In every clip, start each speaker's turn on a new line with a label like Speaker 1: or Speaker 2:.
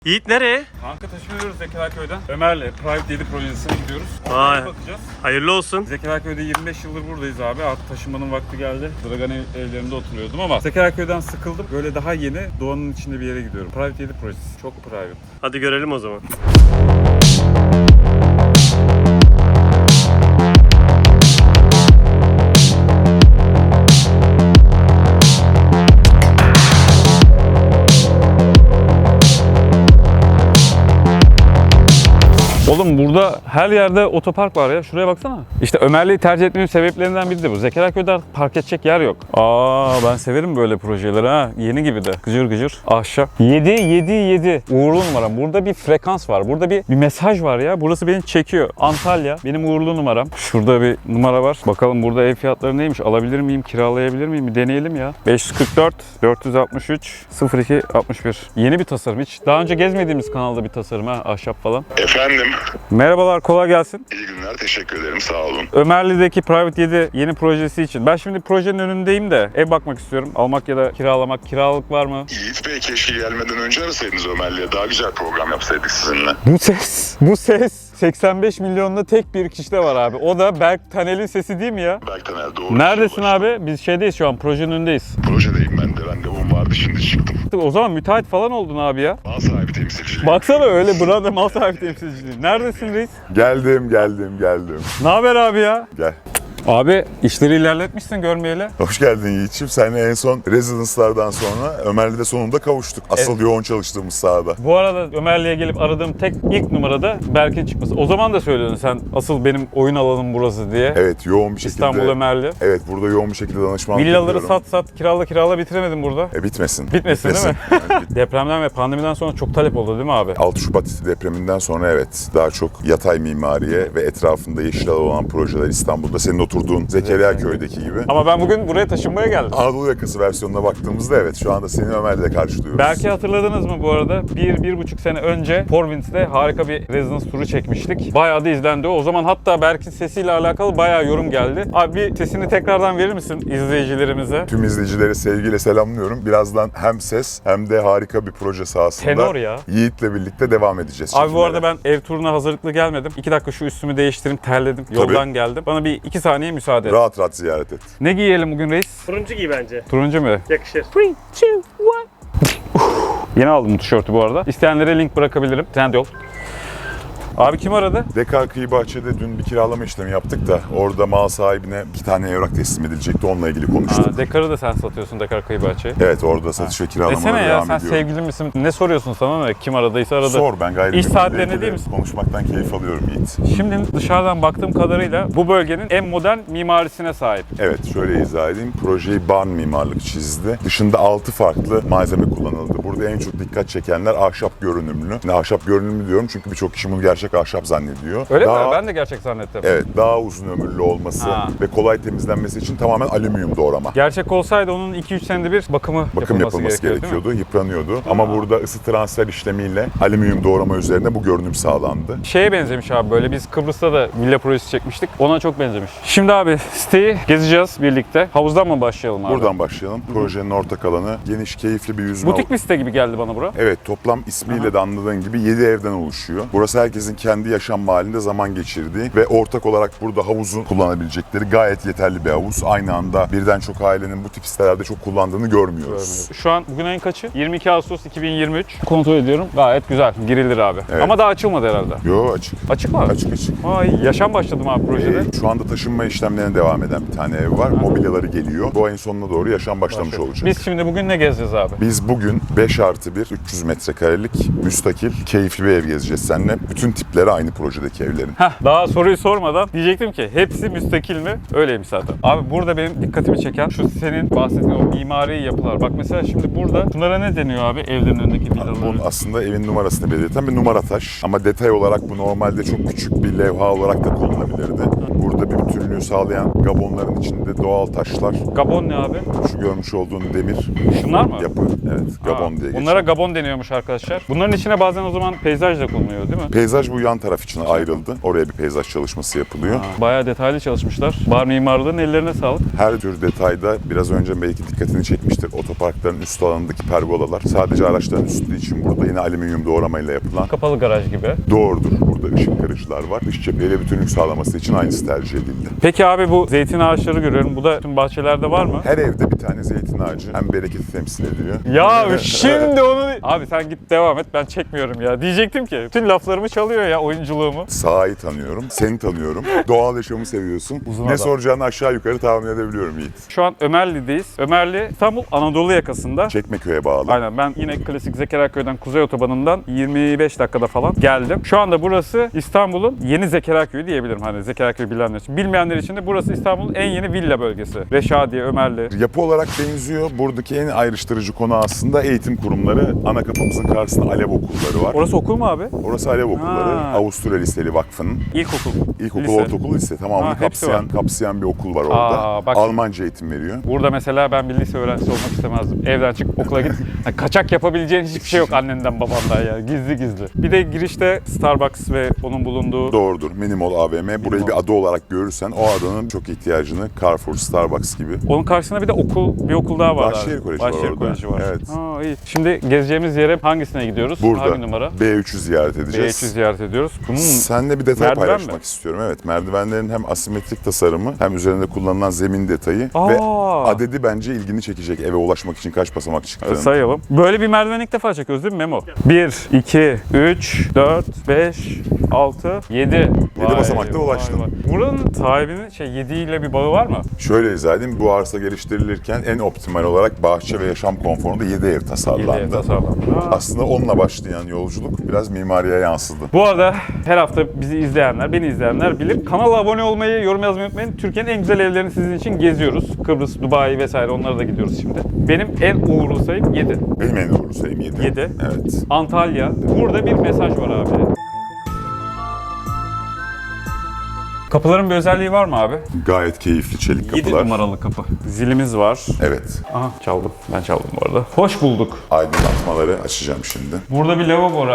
Speaker 1: Yiğit nereye?
Speaker 2: Kanka taşınıyoruz Zekeriyaköy'den. Ömer'le Private 7 projesine gidiyoruz.
Speaker 1: Vay.
Speaker 2: Oraya bakacağız.
Speaker 1: Hayırlı olsun.
Speaker 2: Zekeriyaköy'de 25 yıldır buradayız abi. Artık taşınmanın vakti geldi. Dragan evlerinde oturuyordum ama Zekeriyaköy'den sıkıldım. Böyle daha yeni doğanın içinde bir yere gidiyorum. Private 7 projesi. Çok private.
Speaker 1: Hadi görelim o zaman.
Speaker 2: Oğlum burada her yerde otopark var ya. Şuraya baksana. İşte Ömerli'yi tercih etmemin sebeplerinden biri de bu. Zekeriyaköy'de park edecek yer yok. Ben severim böyle projeleri ha. Yeni gibi de. Gıcır gıcır. Ahşap. 7. Uğurlu numaram. Burada bir frekans var. Burada bir mesaj var ya. Burası beni çekiyor. Antalya. Benim uğurlu numaram. Şurada bir numara var. Bakalım burada ev fiyatları neymiş? Alabilir miyim? Kiralayabilir miyim? Bir deneyelim ya. 544 463 02 61. Yeni bir tasarım. Hiç daha önce gezmediğimiz kanalda bir tasarım ha. Ahşap falan.
Speaker 3: Efendim,
Speaker 2: Merhabalar, kolay gelsin.
Speaker 3: iyi günler, teşekkür ederim, sağ olun.
Speaker 2: Ömerli'deki Private 7 yeni projesi için. Ben şimdi projenin önündeyim de ev bakmak istiyorum. Almak ya da kiralamak. Kiralık var mı?
Speaker 3: Yiğit Bey, keşke gelmeden önce arasaydınız Ömerli'ye, daha güzel program yapsaydık sizinle.
Speaker 2: Bu ses 85 milyonda tek bir kişide var abi. O da Berk Taner'in sesi değil mi ya?
Speaker 3: Berk Taner, doğru.
Speaker 2: Neredesin abi? Biz şeydeyiz şu an, projenin önündeyiz.
Speaker 3: Projedeyim ben de, randevum vardı, şimdi çıktım.
Speaker 2: O zaman müteahhit falan oldun abi ya.
Speaker 3: Mal sahibi temsilciliği.
Speaker 2: Baksana öyle burada mal sahibi temsilciliği. Neredesin reis?
Speaker 4: Geldim.
Speaker 2: Ne haber abi ya?
Speaker 4: Gel.
Speaker 2: Abi işleri ilerletmişsin görmeyeli.
Speaker 4: Hoş geldin Yiğit'ciğim. Seninle en son Residence'lardan sonra Ömerli'de sonunda kavuştuk. Asıl yoğun çalıştığımız sahada.
Speaker 2: Bu arada Ömerli'ye gelip aradığım tek ilk numarada Berk'in çıkması. O zaman da söylüyordun sen asıl benim oyun alanım burası diye.
Speaker 4: Evet, yoğun bir şekilde.
Speaker 2: İstanbul Ömerli.
Speaker 4: Evet, burada yoğun bir şekilde danışmanlık
Speaker 2: Villaları
Speaker 4: yapıyorum.
Speaker 2: sat kirala bitiremedim burada.
Speaker 4: Bitmesin.
Speaker 2: Bitmesin değil mi?
Speaker 4: Evet,
Speaker 2: Depremden ve pandemiden sonra çok talep oldu değil mi abi?
Speaker 4: 6 Şubat depreminden sonra evet, daha çok yatay mimariye ve etrafında yeşil alan olan projeler İstanbul'da. Senin oturduğun Zekeriyaköy'deki gibi.
Speaker 2: Ama ben bugün buraya taşınmaya geldim.
Speaker 4: Anadolu yakası versiyonuna baktığımızda evet, şu anda seni Ömerli'de karşılıyoruz.
Speaker 2: Belki hatırladınız mı bu arada? 1-1,5 sene önce Porwinds'te harika bir Residence turu çekmiştik. Bayağı da izlendi o. O zaman hatta Berk'in sesiyle alakalı bayağı yorum geldi. Abi bir sesini tekrardan verir misin izleyicilerimize?
Speaker 4: Tüm izleyicileri sevgiyle selamlıyorum. Birazdan hem ses hem de harika bir proje sahasında
Speaker 2: Tenor ya.
Speaker 4: Yiğit'le birlikte devam edeceğiz.
Speaker 2: Abi bu
Speaker 4: çekimlere.
Speaker 2: arada ben ev turuna hazırlıklı gelmedim. 2 dakika şu üstümü değiştireyim, terledim. Yoldan geldim. Bana bir 2 saniye müsaade et.
Speaker 4: Rahat rahat ziyaret et.
Speaker 2: Ne giyelim bugün reis?
Speaker 1: Turuncu giy bence.
Speaker 2: Turuncu mu?
Speaker 1: Yakışır.
Speaker 2: 3, 2, 1. Yeni aldım bu tişörtü bu arada. İsteyenlere link bırakabilirim. Trendyol. Abi kim aradı?
Speaker 4: Dekar Kıyı Bahçe'de dün bir kiralama işlemi yaptık da orada mal sahibine 2 tane evrak teslim edilecekti. Onunla ilgili konuştuk.
Speaker 2: Dekar'ı da sen satıyorsun, Dekar Kıyı Bahçe'yi.
Speaker 4: Evet, orada satış ve kiralamalara
Speaker 2: Desene ya,
Speaker 4: devam
Speaker 2: sen
Speaker 4: ediyorum.
Speaker 2: sevgili misin? Ne soruyorsun sana ne? Kim aradıysa aradı.
Speaker 4: Sor, ben gayet
Speaker 2: İş
Speaker 4: benimle
Speaker 2: saatlerine
Speaker 4: ilgili
Speaker 2: değil misin?
Speaker 4: konuşmaktan keyif alıyorum Yiğit.
Speaker 2: Şimdi dışarıdan baktığım kadarıyla bu bölgenin en modern mimarisine sahip.
Speaker 4: Evet, şöyle izah edeyim. Projeyi barn mimarlık çizdi. Dışında 6 farklı malzeme kullanıldı. Burada en çok dikkat çekenler ahşap görünümlü. Ne ahşap görünümlü diyorum çünkü birçok kişi bunu gerçek ahşap zannediyor.
Speaker 2: Öyle mi? Ben de gerçek zannettim.
Speaker 4: Evet, daha uzun ömürlü olması ve kolay temizlenmesi için tamamen alüminyum doğrama.
Speaker 2: Gerçek olsaydı onun 2-3 senede bir bakım
Speaker 4: Yapılması gerekiyordu, yıpranıyordu. Ama burada ısı transfer işlemiyle alüminyum doğrama üzerine bu görünüm sağlandı.
Speaker 2: Şeye benzemiş abi, böyle biz Kıbrıs'ta da villa projesi çekmiştik. Ona çok benzemiş. Şimdi abi siteyi gezeceğiz birlikte. Havuzdan mı başlayalım abi?
Speaker 4: Buradan başlayalım. Projenin ortak alanı geniş, keyifli bir yüzme
Speaker 2: Butik bir site gibi geldi bana bura.
Speaker 4: Evet, toplam ismiyle de anladığın gibi 7 evden oluşuyor. Burası herkesin kendi yaşam mahallinde zaman geçirdiği ve ortak olarak burada havuzu kullanabilecekleri gayet yeterli bir havuz. Aynı anda birden çok ailenin bu tip sitelerde çok kullandığını görmüyoruz.
Speaker 2: Şu an bugün ayın kaçı? 22 Ağustos 2023. Kontrol ediyorum. Gayet güzel. Girilir abi.
Speaker 4: Evet.
Speaker 2: Ama daha açılmadı herhalde.
Speaker 4: Yo, açık.
Speaker 2: Açık mı?
Speaker 4: Açık.
Speaker 2: Ay, yaşam başladım abi projede.
Speaker 4: Şu anda taşınma işlemlerine devam eden bir tane ev var. Mobilyaları geliyor. Bu ayın sonuna doğru yaşam başlamış olacak.
Speaker 2: Biz şimdi bugün ne gezeceğiz abi?
Speaker 4: Biz bugün 5+1, 300 metrekarelik, müstakil, keyifli bir ev gezeceğiz seninle. Bütün tipleri aynı projedeki evlerin.
Speaker 2: Daha soruyu sormadan diyecektim ki hepsi müstakil mi? Öyleymiş zaten. Abi burada benim dikkatimi çeken şu senin bahsettiğin o mimari yapılar. Bak mesela şimdi burada bunlara ne deniyor abi evlerin önündeki villalara?
Speaker 4: Bu aslında evin numarasını belirten bir numara taş. Ama detay olarak bu normalde çok küçük bir levha olarak da kullanılabilirdi. Burada bir bütünlüğü sağlayan gabonların içinde doğal taşlar.
Speaker 2: Gabon ne abi?
Speaker 4: Şu görmüş olduğun demir
Speaker 2: Şunlar mı?
Speaker 4: yapı. Evet, gabon diye geçiyor.
Speaker 2: Bunlara gabon deniyormuş arkadaşlar. Bunların içine bazen o zaman peyzaj da konuluyor değil mi?
Speaker 4: Peyzaj bu yan taraf için ayrıldı. Oraya bir peyzaj çalışması yapılıyor.
Speaker 2: Bayağı detaylı çalışmışlar. Bar mimarlığının ellerine sağlık.
Speaker 4: Her tür detayda biraz önce belki dikkatini çekmiştir. Otoparkların üst alanındaki pergolalar sadece araçların üstü için burada yine alüminyum doğramayla yapılan.
Speaker 2: Kapalı garaj gibi.
Speaker 4: Doğrudur. Burada ışık kırıcılar var. Dış cepheyle bütünlük sağlaması için aynısı tercih edildi.
Speaker 2: Peki abi bu zeytin ağaçları görüyorum. Bu da tüm bahçelerde var mı?
Speaker 4: Her evde bir tane zeytin ağacı hem bereketi temsil ediyor.
Speaker 2: Ya şimdi onu... Abi sen git devam et, ben çekmiyorum ya. Diyecektim ki bütün laflarımı çalıyor ya, oyunculuğumu.
Speaker 4: Sahayı tanıyorum, seni tanıyorum. Doğal yaşamı seviyorsun.
Speaker 2: Uzun
Speaker 4: ne
Speaker 2: adam.
Speaker 4: soracağını aşağı yukarı tahmin edebiliyorum Yiğit.
Speaker 2: Şu an Ömerli'deyiz. Ömerli İstanbul Anadolu yakasında.
Speaker 4: Çekmeköy'e bağlı.
Speaker 2: Aynen, ben yine klasik Zekeriyaköy'den Kuzey Otobanı'ndan 25 dakikada falan geldim. Şu anda burası İstanbul'un yeni Zekeriyaköy'ü diyebilirim. Hani Zekeriyaköy bilenler için. Bilmeyenler için de burası İstanbul'un en yeni villa bölgesi. Reşadiye, Ömerli.
Speaker 4: Yapı olarak benziyor. Buradaki en ayrıştırıcı konu aslında eğitim kurumları. Ana kapımızın karşısında Alev okulları var.
Speaker 2: Orası okul mu abi?
Speaker 4: Orası Alev okulları.
Speaker 2: Ha.
Speaker 4: Avusturya Liseli Vakfı'nın.
Speaker 2: İlkokul.
Speaker 4: İlkokul,
Speaker 2: Lise.
Speaker 4: ortaokul, lise tamamını
Speaker 2: Ha, hepsi var.
Speaker 4: kapsayan bir okul var orada.
Speaker 2: Aa, bak.
Speaker 4: Almanca eğitim veriyor.
Speaker 2: Burada mesela ben bir lise öğrencisi olmak istemezdim. Evden çık, okula git. Yani kaçak yapabileceğin hiçbir şey yok annenden babandan ya. Gizli gizli. Bir de girişte Starbucks ve onun bulunduğu...
Speaker 4: Doğrudur. Minimall AVM. Burayı bir ada olarak görürsen o adanın çok ihtiyacını Carrefour, Starbucks gibi.
Speaker 2: Onun karşısında bir de bir okul daha var.
Speaker 4: Bahçeşehir
Speaker 2: abi.
Speaker 4: Koleji var
Speaker 2: Bahçeşehir
Speaker 4: orada.
Speaker 2: Koleji var.
Speaker 4: Evet.
Speaker 2: Ha, iyi. Şimdi gezeceğimiz yere hangisine gidiyoruz?
Speaker 4: Burada
Speaker 2: Hangi numara?
Speaker 4: B3'ü ziyaret edeceğiz.
Speaker 2: B3'ü ziyaret ediyoruz.
Speaker 4: Seninle bir detay
Speaker 2: Merdiven
Speaker 4: paylaşmak
Speaker 2: mi?
Speaker 4: istiyorum. Evet, merdivenlerin hem asimetrik tasarımı hem üzerinde kullanılan zemin detayı
Speaker 2: Aa.
Speaker 4: ve adedi bence ilgini çekecek eve ulaşmak için kaç basamak çıktığını.
Speaker 2: Sayalım. Böyle bir merdiven ilk defa çekiyoruz değil mi Memo? 1, 2, 3, 4, 5, 6, 7.
Speaker 4: basamakta ulaştın.
Speaker 2: Buranın sahibinin 7 ile bir bağı var mı?
Speaker 4: Şöyle izah edeyim, bu arsa geliştirilirken en optimal olarak bahçe ve yaşam konforunda 7 ev tasarlandı.
Speaker 2: 7 tasarlandı.
Speaker 4: Aslında onunla başlayan yolculuk biraz mimariye yansıdı.
Speaker 2: Bu arada her hafta bizi izleyenler, beni izleyenler bilir. Kanala abone olmayı, yorum yazmayı unutmayın. Türkiye'nin en güzel evlerini sizin için geziyoruz. Kıbrıs, Dubai vesaire, onlara da gidiyoruz şimdi. Benim en uğurlu sayım 7.
Speaker 4: Benim en doğru sayım 7.
Speaker 2: 7.
Speaker 4: Evet.
Speaker 2: Antalya. Burada bir mesaj var abi. Kapıların bir özelliği var mı abi?
Speaker 4: Gayet keyifli çelik
Speaker 2: 7
Speaker 4: kapılar.
Speaker 2: numaralı kapı. Zilimiz var.
Speaker 4: Evet.
Speaker 2: Aha, çaldım. Ben çaldım bu arada. Hoş bulduk.
Speaker 4: Aydınlatmaları açacağım şimdi.
Speaker 2: Burada bir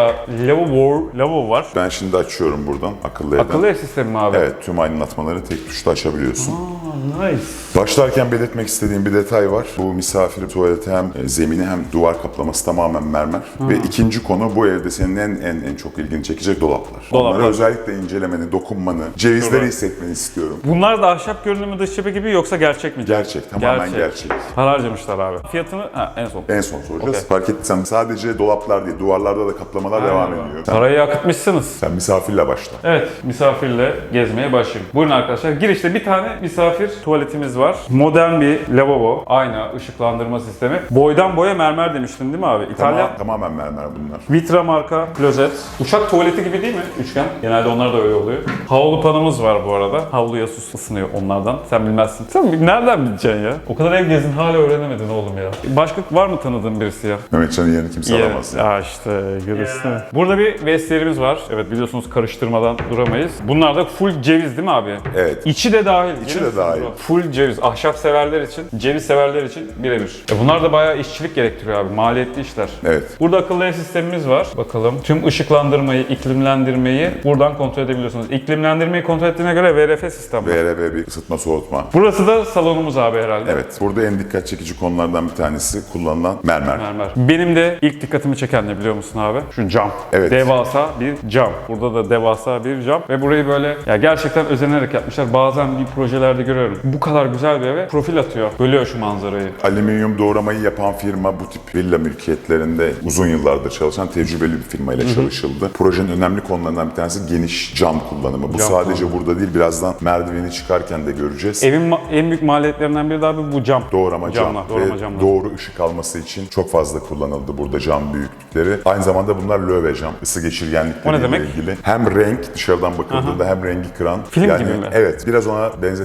Speaker 2: lavabo var.
Speaker 4: Ben şimdi açıyorum buradan akıllı evden.
Speaker 2: Akıllı ev sistemi mi abi?
Speaker 4: Evet, tüm aydınlatmaları tek tuşla açabiliyorsun.
Speaker 2: Nice.
Speaker 4: Başlarken belirtmek istediğim bir detay var. Bu misafir tuvaleti hem zemini hem duvar kaplaması tamamen mermer. Ve ikinci konu, bu evde senin en çok ilgini çekecek dolaplar.
Speaker 2: Dolaplar.
Speaker 4: Onları özellikle incelemeni, dokunmanı, cevizleri
Speaker 2: Şurada.
Speaker 4: hissetmeni istiyorum.
Speaker 2: Bunlar da ahşap görünümü dış cephe gibi yoksa gerçek mi?
Speaker 4: Gerçek, tamamen gerçek.
Speaker 2: Para harcamışlar abi. Fiyatını en son.
Speaker 4: En son soracağız.
Speaker 2: Okey.
Speaker 4: Fark ettiysem sadece dolaplar değil, duvarlarda da kaplamalar devam ediyor.
Speaker 2: Parayı akıtmışsınız.
Speaker 4: Sen misafirle başla.
Speaker 2: Evet, misafirle gezmeye başlayın. Buyurun arkadaşlar. Girişte bir tane misafir tuvaletimiz var. Modern bir lavabo. Ayna, ışıklandırma sistemi. Boydan boya mermer demiştin değil mi abi? İtalyan.
Speaker 4: Tamamen mermer bunlar.
Speaker 2: Vitra marka klozet. Uçak tuvaleti gibi değil mi? Üçgen. Genelde onlar da öyle oluyor. Havlu panımız var bu arada. Havluya su ısınıyor onlardan. Sen bilmezsin. Sen nereden bileceksin ya? O kadar ev gezdin hala öğrenemedin oğlum ya. Başka var mı tanıdığın birisi ya?
Speaker 4: Mehmetcan'ın yerini kimse alamaz.
Speaker 2: Ya işte görürsün. Burada bir vestiyerimiz var. Evet, biliyorsunuz karıştırmadan duramayız. Bunlar da full ceviz değil mi abi?
Speaker 4: Evet.
Speaker 2: İçi de dahil.
Speaker 4: İçi de dahil.
Speaker 2: Full ceviz. Ahşap severler için, ceviz severler için birebir. Bunlar da bayağı işçilik gerektiriyor abi. Maliyetli işler.
Speaker 4: Evet.
Speaker 2: Burada akıllı ev sistemimiz var. Bakalım. Tüm ışıklandırmayı, iklimlendirmeyi buradan kontrol edebiliyorsunuz. İklimlendirmeyi kontrol ettiğine göre VRF sistem var.
Speaker 4: VRV bir ısıtma soğutma.
Speaker 2: Burası da salonumuz abi herhalde.
Speaker 4: Evet. Burada en dikkat çekici konulardan bir tanesi kullanılan mermer.
Speaker 2: Mermer. Benim de ilk dikkatimi çeken ne biliyor musun abi? Şu cam.
Speaker 4: Evet.
Speaker 2: Devasa bir cam. Burada da devasa bir cam. Ve burayı böyle ya gerçekten özenerek yapmışlar. Bazen bir projelerde görüyorum. Bu kadar güzel bir eve profil atıyor. Bölüyor şu manzarayı.
Speaker 4: Alüminyum doğramayı yapan firma bu tip villa mülkiyetlerinde uzun yıllardır çalışan tecrübeli bir firmayla çalışıldı. Projenin önemli konularından bir tanesi geniş cam kullanımı. Bu
Speaker 2: Cam
Speaker 4: sadece burada değil, birazdan merdiveni çıkarken de göreceğiz.
Speaker 2: Evin en büyük maliyetlerinden biri de abi bu cam.
Speaker 4: Doğrama cam
Speaker 2: Doğrama
Speaker 4: ve
Speaker 2: camlar.
Speaker 4: doğru ışık alması için çok fazla kullanıldı burada cam büyüklükleri. Aynı zamanda bunlar löve cam, ısı
Speaker 2: O
Speaker 4: geçirgenlikleriyle
Speaker 2: ne demek?
Speaker 4: ilgili. Hem renk dışarıdan bakıldığında hem rengi kıran.
Speaker 2: Film gibi mi?
Speaker 4: Evet, biraz ona benzetebilirsin.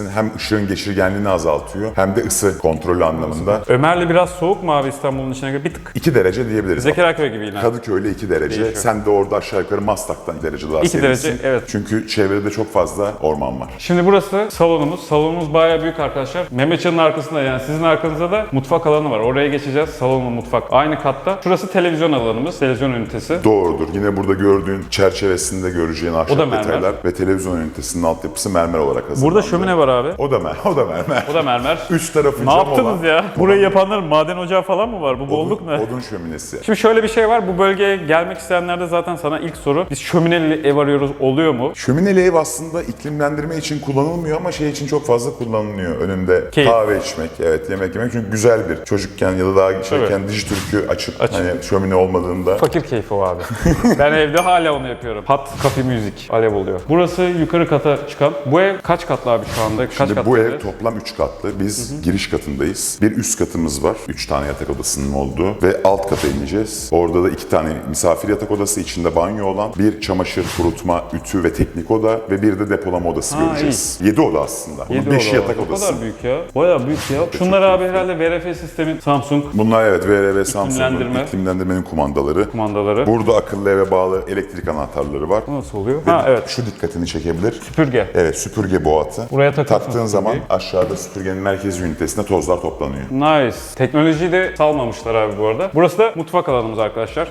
Speaker 4: penceresinin hem ışığın geçirgenliğini azaltıyor hem de ısı kontrolü anlamında.
Speaker 2: Ömerli biraz soğuk mu abi İstanbul'un içine göre? Bir tık.
Speaker 4: 2 derece diyebiliriz.
Speaker 2: Zekeriyaköy gibi yine.
Speaker 4: Kadıköy'le 2 derece.
Speaker 2: Değişiyor.
Speaker 4: Sen de orada aşağı yukarı Maslak'tan 2 derece daha
Speaker 2: 2
Speaker 4: serinsin.
Speaker 2: derece, evet.
Speaker 4: Çünkü çevrede çok fazla orman var.
Speaker 2: Şimdi burası salonumuz. Salonumuz bayağı büyük arkadaşlar. Mehmetcan'ın arkasında, yani sizin arkanızda da mutfak alanı var. Oraya geçeceğiz. Salonla mutfak aynı katta. Şurası televizyon alanımız. Televizyon ünitesi.
Speaker 4: Doğrudur. Yine burada gördüğün çerçevesinde göreceğin
Speaker 2: O da
Speaker 4: ahşap
Speaker 2: mermer.
Speaker 4: detaylar ve televizyon ünitesinin altyapısı mermer olarak hazırlandı.
Speaker 2: Burada şömine var abi.
Speaker 4: O da mermer.
Speaker 2: O da mermer.
Speaker 4: Üç tarafı
Speaker 2: Ne
Speaker 4: cam
Speaker 2: yaptınız
Speaker 4: olan.
Speaker 2: ya? Burayı yapanların maden ocağı falan mı var? Bu bolluk ne?
Speaker 4: Odun şöminesi.
Speaker 2: Şimdi şöyle bir şey var. Bu bölgeye gelmek isteyenlerde zaten sana ilk soru. Biz şömineli ev arıyoruz. Oluyor mu?
Speaker 4: Şömineli ev aslında iklimlendirme için kullanılmıyor ama şey için çok fazla kullanılıyor. Önünde
Speaker 2: Keyif.
Speaker 4: kahve içmek, evet yemek yemek. Çünkü güzel bir çocukken ya da daha şeyken Dijitürk'ü açıp hani şömine olmadığında
Speaker 2: Fakir keyfi o abi. Ben evde hala onu yapıyorum. Hot coffee müzik. Alev oluyor. Burası yukarı kata çıkan. Bu ev kaç katlı abi şu anda? Kaç
Speaker 4: Şimdi
Speaker 2: katlı
Speaker 4: bu
Speaker 2: ev?
Speaker 4: ev toplam 3 katlı. Biz giriş katındayız. Bir üst katımız var. 3 tane yatak odasının olduğu ve alt kata ineceğiz. Orada da 2 tane misafir yatak odası, içinde banyo olan, bir çamaşır, kurutma, ütü ve teknik oda ve bir de depolama odası göreceğiz. 7 oda aslında. Bunun 5 yatak
Speaker 2: O
Speaker 4: odası.
Speaker 2: kadar büyük ya. Bayağı büyük ya. Şunlar abi herhalde VRF sistemi Samsung
Speaker 4: Bunlar evet VRV Samsung'un
Speaker 2: İklimlendirme.
Speaker 4: iklimlendirmenin kumandaları.
Speaker 2: kumandaları.
Speaker 4: Burada akıllı eve bağlı elektrik anahtarları var.
Speaker 2: Nasıl oluyor?
Speaker 4: Ve
Speaker 2: Ha evet.
Speaker 4: Şu dikkatini çekebilir.
Speaker 2: Süpürge.
Speaker 4: Evet, süpürge boğatı.
Speaker 2: Buraya takarsın
Speaker 4: Taktığın zaman
Speaker 2: süpürgeyi.
Speaker 4: aşağıda süpürgenin merkezi ünitesinde tozlar toplanıyor.
Speaker 2: Nice. Teknolojiyi de salmamışlar abi bu arada. Burası da mutfak alanımız arkadaşlar.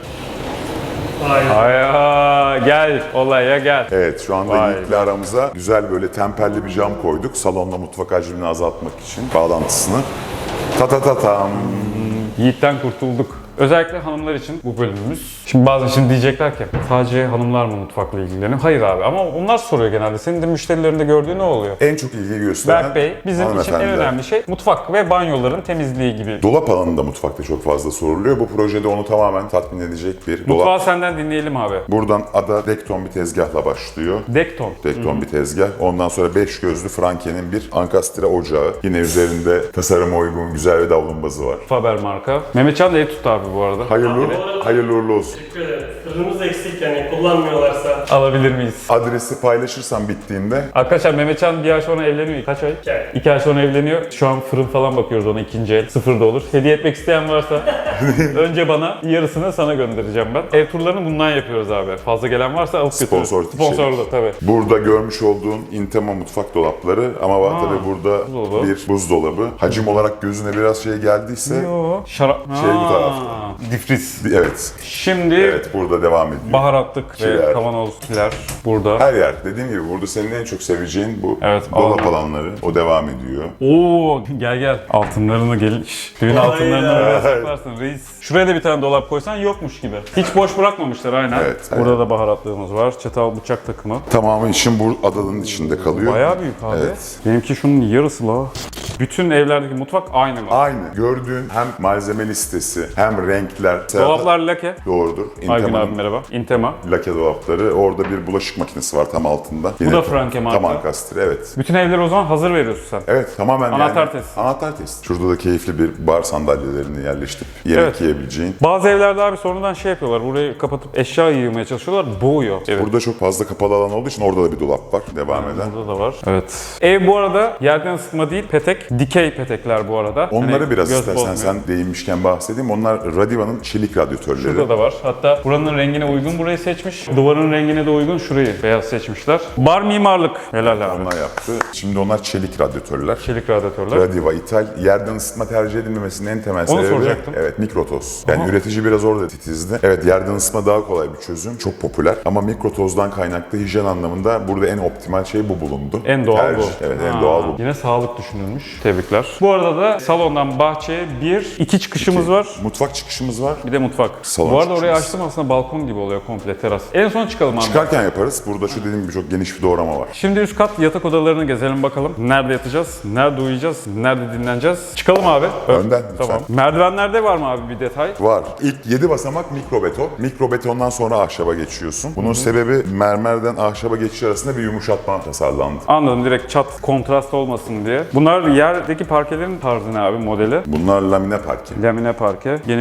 Speaker 2: Ay gel olaya gel.
Speaker 4: Evet, şu anda
Speaker 2: Vay
Speaker 4: Yiğit'le aramıza güzel böyle temperli bir cam koyduk. Salonla mutfak hacmini azaltmak için bağlantısını. Ta ta ta tam.
Speaker 2: Yiğit'ten kurtulduk. Özellikle hanımlar için bu bölümümüz. Şimdi diyecekler ki sadece hanımlar mı mutfakla ilgileniyor? Hayır abi ama onlar soruyor genelde. Senin de müşterilerinde gördüğün ne oluyor?
Speaker 4: En çok ilgi gösteren
Speaker 2: Berk Bey, bizim için en
Speaker 4: hanımefendiler.
Speaker 2: önemli şey mutfak ve banyoların temizliği gibi.
Speaker 4: Dolap alanında mutfakta çok fazla soruluyor. Bu projede onu tamamen tatmin edecek bir dolap.
Speaker 2: Mutfağı senden dinleyelim abi.
Speaker 4: Buradan ada dekton bir tezgahla başlıyor.
Speaker 2: Dekton.
Speaker 4: Dekton bir tezgah. Ondan sonra 5 gözlü Franke'nin bir ankastre ocağı. Yine üzerinde tasarıma uygun güzel bir davlumbazı var.
Speaker 2: Faber marka. Mehmetcan da ev tuttu abi bu arada.
Speaker 4: Hayırlı uğurlu olsun.
Speaker 1: Teşekkür ederim. Fırınımız eksik, yani kullanmıyorlarsa.
Speaker 2: Alabilir miyiz?
Speaker 4: Adresi paylaşırsam bittiğinde
Speaker 2: Arkadaşlar Mehmetcan bir ay sonra evleniyor. Kaç ay?
Speaker 1: 2 ay.
Speaker 2: 2 ay sonra evleniyor. Şu an fırın falan bakıyoruz ona, ikinci el. Sıfır da olur. Hediye etmek isteyen varsa önce bana, yarısını sana göndereceğim ben. Ev turlarını bundan yapıyoruz abi. Fazla gelen varsa alıp götürürüz. Sponsorlu tabii.
Speaker 4: burada görmüş olduğun Intema mutfak dolapları ama var tabii burada
Speaker 2: buzdolabı.
Speaker 4: bir buzdolabı. Hacim olarak gözüne biraz şey geldiyse
Speaker 2: Yo. Şarap.
Speaker 4: Şey bu tarafta.
Speaker 2: Difriz.
Speaker 4: evet.
Speaker 2: Şimdi
Speaker 4: Evet burada devam ediyor.
Speaker 2: baharatlık ve
Speaker 4: Kiler.
Speaker 2: kavanozlar burada.
Speaker 4: Her yer. Dediğim gibi burada senin en çok seveceğin bu
Speaker 2: Evet,
Speaker 4: dolap
Speaker 2: alan.
Speaker 4: alanları. O devam ediyor.
Speaker 2: Oo gel. Altınlarını gel. Düğün altınlarını buraya saklarsın reis. Şuraya da bir tane dolap koysan yokmuş gibi. Hiç boş bırakmamışlar aynen.
Speaker 4: Evet,
Speaker 2: Burada
Speaker 4: evet.
Speaker 2: da baharatlığımız var. Çatal bıçak takımı.
Speaker 4: Tamamı için bu adanın içinde kalıyor.
Speaker 2: Bayağı büyük abi.
Speaker 4: Evet.
Speaker 2: Benimki şunun yarısı la. Bütün evlerdeki mutfak aynı mı?
Speaker 4: Aynı. Gördüğün hem malzeme listesi hem renkler.
Speaker 2: Dolaplar lake.
Speaker 4: Doğrudur.
Speaker 2: Aygün
Speaker 4: Intema'nın
Speaker 2: abi merhaba. Intema.
Speaker 4: lake dolapları. Orada bir bulaşık makinesi var tam altında.
Speaker 2: da Franke marka.
Speaker 4: Tam ankastre evet.
Speaker 2: Bütün evleri o zaman hazır veriyorsun sen.
Speaker 4: Evet tamamen
Speaker 2: Anahtar testi.
Speaker 4: Anahtar testi. Şurada da keyifli bir bar sandalyelerini yerleştirip yemek
Speaker 2: Evet.
Speaker 4: yiyebileceğin.
Speaker 2: Bazı evlerde abi sonradan şey yapıyorlar. Burayı kapatıp eşya yığmaya çalışıyorlar. Boğuyor. Evet.
Speaker 4: Burada çok fazla kapalı alan olduğu için orada da bir dolap var devam eden.
Speaker 2: Burada da var. Evet. Ev bu arada yerden ısıtma değil, petek. Dikey petekler bu arada.
Speaker 4: Onları
Speaker 2: Hani
Speaker 4: biraz
Speaker 2: göz
Speaker 4: istersen
Speaker 2: bozmuyor.
Speaker 4: sen değinmişken bahsedeyim. Onlar Radiva'nın çelik radyatörleri.
Speaker 2: Burada da var. Hatta buranın rengine uygun burayı seçmiş. Duvarın rengine de uygun şurayı beyaz seçmişler. Bar mimarlık. Helal abi.
Speaker 4: Onlar yaptı. Şimdi onlar çelik radyatörler.
Speaker 2: Çelik radyatörler.
Speaker 4: Radiva ithal. Yerden ısıtma tercih edilmemesinin en temel sebebi
Speaker 2: soracaktım.
Speaker 4: evet mikrotoz. Yani üretici biraz orada titizdi. Evet yerden ısıtma daha kolay bir çözüm. Çok popüler. Ama mikrotozdan kaynaklı hijyen anlamında burada en optimal şey bu bulundu.
Speaker 2: En doğal
Speaker 4: Tercih.
Speaker 2: bu.
Speaker 4: Evet en doğal bu.
Speaker 2: Yine sağlık düşünülmüş. Tebrikler. Bu arada da salondan bahçeye iki çıkışımız var.
Speaker 4: Mutfak çıkışımız var.
Speaker 2: Bir de mutfak.
Speaker 4: Salon
Speaker 2: Bu arada orayı
Speaker 4: çıkışımız.
Speaker 2: açtım aslında balkon gibi oluyor komple teras. En son çıkalım abi.
Speaker 4: Çıkarken yaparız. Burada şu dediğim gibi çok geniş bir doğrama var.
Speaker 2: Şimdi üst kat yatak odalarını gezelim bakalım. Nerede yatacağız? Nerede uyuyacağız? Nerede dinleneceğiz? Çıkalım abi.
Speaker 4: Önden lütfen.
Speaker 2: Tamam. Merdivenlerde var mı abi bir detay?
Speaker 4: Var. İlk 7 basamak mikrobeton. Mikrobetondan sonra ahşaba geçiyorsun. Bunun sebebi mermerden ahşaba geçiş arasında bir yumuşatma tasarlandı.
Speaker 2: Anladım, direkt çat kontrast olmasın diye. Bunlar yerdeki parkelerin tarzı ne abi modeli?
Speaker 4: Bunlar lamine parke.
Speaker 2: Lamine parke. Geniş